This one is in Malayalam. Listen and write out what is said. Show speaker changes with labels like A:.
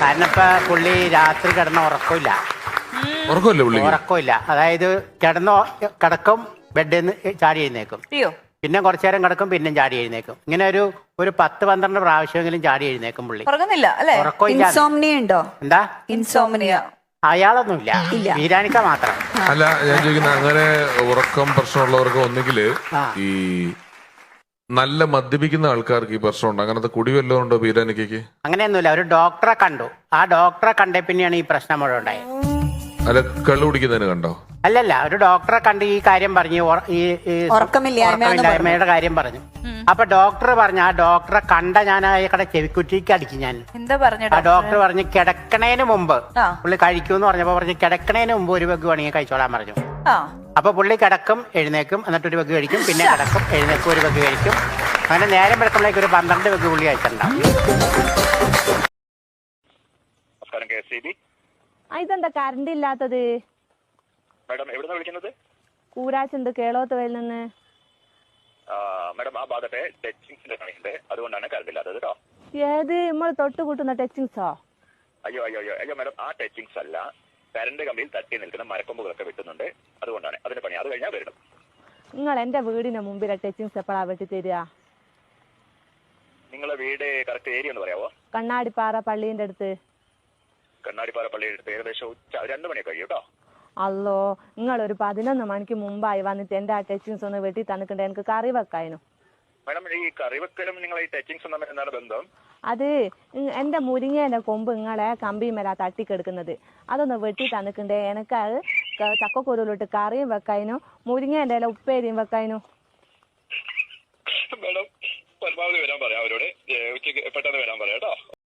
A: കാരണം ഇപ്പൊ പുള്ളി രാത്രി കിടന്ന ഉറക്കമില്ല. അതായത് കിടക്കും ബെഡിൽ നിന്ന് ചാടി എഴുന്നേക്കും, പിന്നെ കുറച്ചു നേരം കിടക്കും, പിന്നെയും ചാടി എഴുന്നേക്കും. ഇങ്ങനെ ഒരു 10-12 പ്രാവശ്യമെങ്കിലും ചാടി എഴുന്നേക്കും പുള്ളി.
B: ഉറക്കമില്ല.
A: എന്താ
B: ഇൻസോംനിയ
A: അയാളൊന്നുമില്ല, വീരാനിക്ക മാത്രം.
C: അല്ല, ഞാൻ ചോദിക്കുന്ന അങ്ങനെ ഉറക്കം പ്രശ്നമുള്ളവർക്ക് ഒന്നുകിൽ ഈ നല്ല മദ്യപിക്കുന്ന ആൾക്കാർക്ക് ഈ പ്രശ്നമുണ്ട്. അങ്ങനത്തെ കുടി വല്ലതും ഉണ്ടോ വീരാനിക്കയ്ക്ക്?
A: അങ്ങനെയൊന്നുമില്ല. ഒരു ഡോക്ടറെ കണ്ടു, ആ ഡോക്ടറെ കണ്ടേ പിന്നെയാണ് ഈ പ്രശ്നം മുഴുവൻ ഉണ്ടായത്.
C: അല്ല, കള്ളു കുടിക്കുന്നതിന് കണ്ടോ?
A: അല്ലല്ല, ഒരു ഡോക്ടറെ കണ്ട് ഈ കാര്യം പറഞ്ഞു, ഈ ഉറക്കമില്ലായ്മയുടെ കാര്യം പറഞ്ഞു. അപ്പൊ ഡോക്ടർ പറഞ്ഞു, ആ ഡോക്ടറെ കണ്ട ഞാൻ അയാളുടെ ചെവിക്കുറ്റിക്ക് അടിക്കും. ഞാൻ
B: എന്താ പറഞ്ഞു?
A: ആ ഡോക്ടർ പറഞ്ഞു കിടക്കണേന് മുമ്പ് പുള്ളി കഴിക്കൂന്ന് പറഞ്ഞപ്പോ പറഞ്ഞു കിടക്കണേന് മുമ്പ് ഒരു പെഗ് വേണമെങ്കിൽ കഴിച്ചോളാൻ പറഞ്ഞു. അപ്പൊ പുള്ളി കിടക്കും, എഴുന്നേക്കും, എന്നിട്ട് ഒരു പെഗ് കഴിക്കും, പിന്നെ കിടക്കും, എഴുന്നേക്കും, ഒരു പെഗ് കഴിക്കും. അങ്ങനെ നേരം വെളുക്കുമ്പോഴേക്ക് ഒരു 12 പെഗ് പുള്ളി കഴിച്ചിട്ടുണ്ടാവും.
D: ഇതെന്താ കറണ്ട് ഇല്ലാത്തത്?
E: മാഡം എവിടുന്നാ വിളിക്കുന്നത്?
D: കൂരാച്ചുണ്ട്, കേളോത്തുവയിൽ നിന്ന്.
E: മാഡം ആ ഭാഗത്തെ ടച്ചിങ്സിന്റെ പണിയുണ്ട്, അതുകൊണ്ടാണ് കറണ്ട് ഇല്ലാത്തത് കേട്ടോ.
D: ഏത് നമ്മൾ തൊട്ട് കൂട്ടുന്ന ടച്ചിങ്സോ?
E: അയ്യോ അയ്യോ അയ്യോ അയ്യോ മാഡം, ആ ടച്ചിങ്സ് അല്ല, കറണ്ട് കമ്പിയിൽ തട്ടി നിൽക്കുന്ന മരക്കൊമ്പുകളൊക്കെ വെട്ടുന്നുണ്ട്, അതുകൊണ്ടാണ്. അതിന്റെ പണി അത് കഴിഞ്ഞാൽ വരണം.
D: നിങ്ങൾ എന്റെ വീടിന് മുമ്പിലെ ടച്ചിങ്സ് എപ്പോഴാ വെട്ടി തരിക?
E: നിങ്ങളെ വീട് കറക്റ്റ് ഏരിയ ഒന്ന് പറയാവോ?
D: കണ്ണാടിപ്പാറ പള്ളീന്റെ അടുത്ത്.
E: കണ്ണാടിപ്പാറ പള്ളിയുടെ അടുത്ത് ഏകദേശം 2 മണിയൊക്കെ കഴിയും കേട്ടോ.
D: അല്ലോ, നിങ്ങൾ ഒരു 11 മണിക്ക് മുമ്പായി വന്നിട്ട് എന്റെ ആ ടച്ചിങ്സ് ഒന്ന് വെട്ടി തന്നിട്ടുണ്ട്, എനിക്ക് കറി വെക്കാനും.
E: മാഡം, ഈ കറി വെക്കലും നിങ്ങൾ ഈ ടച്ചിങ്സും തമ്മിൽ എന്താണ് ബന്ധം?
D: അത് എന്റെ മുരിങ്ങേന്റെ കൊമ്പ് നിങ്ങളെ കമ്പിമേലാ തട്ടിക്കെടുക്കുന്നത്, അതൊന്ന് വെട്ടി തന്നിട്ടുണ്ടേ. എനിക്ക് അത് ചക്കക്കുരുവിലിട്ട് കറിയും വെക്കാനും മുരിങ്ങേന്റെ ഇല ഉപ്പേരിയും വെക്കാനും.
E: മാഡം, പരമാവധി വരാൻ പറയാം അവരോട്, ഉച്ചയ്ക്ക് പെട്ടെന്ന് വരാൻ പറയാം കേട്ടോ.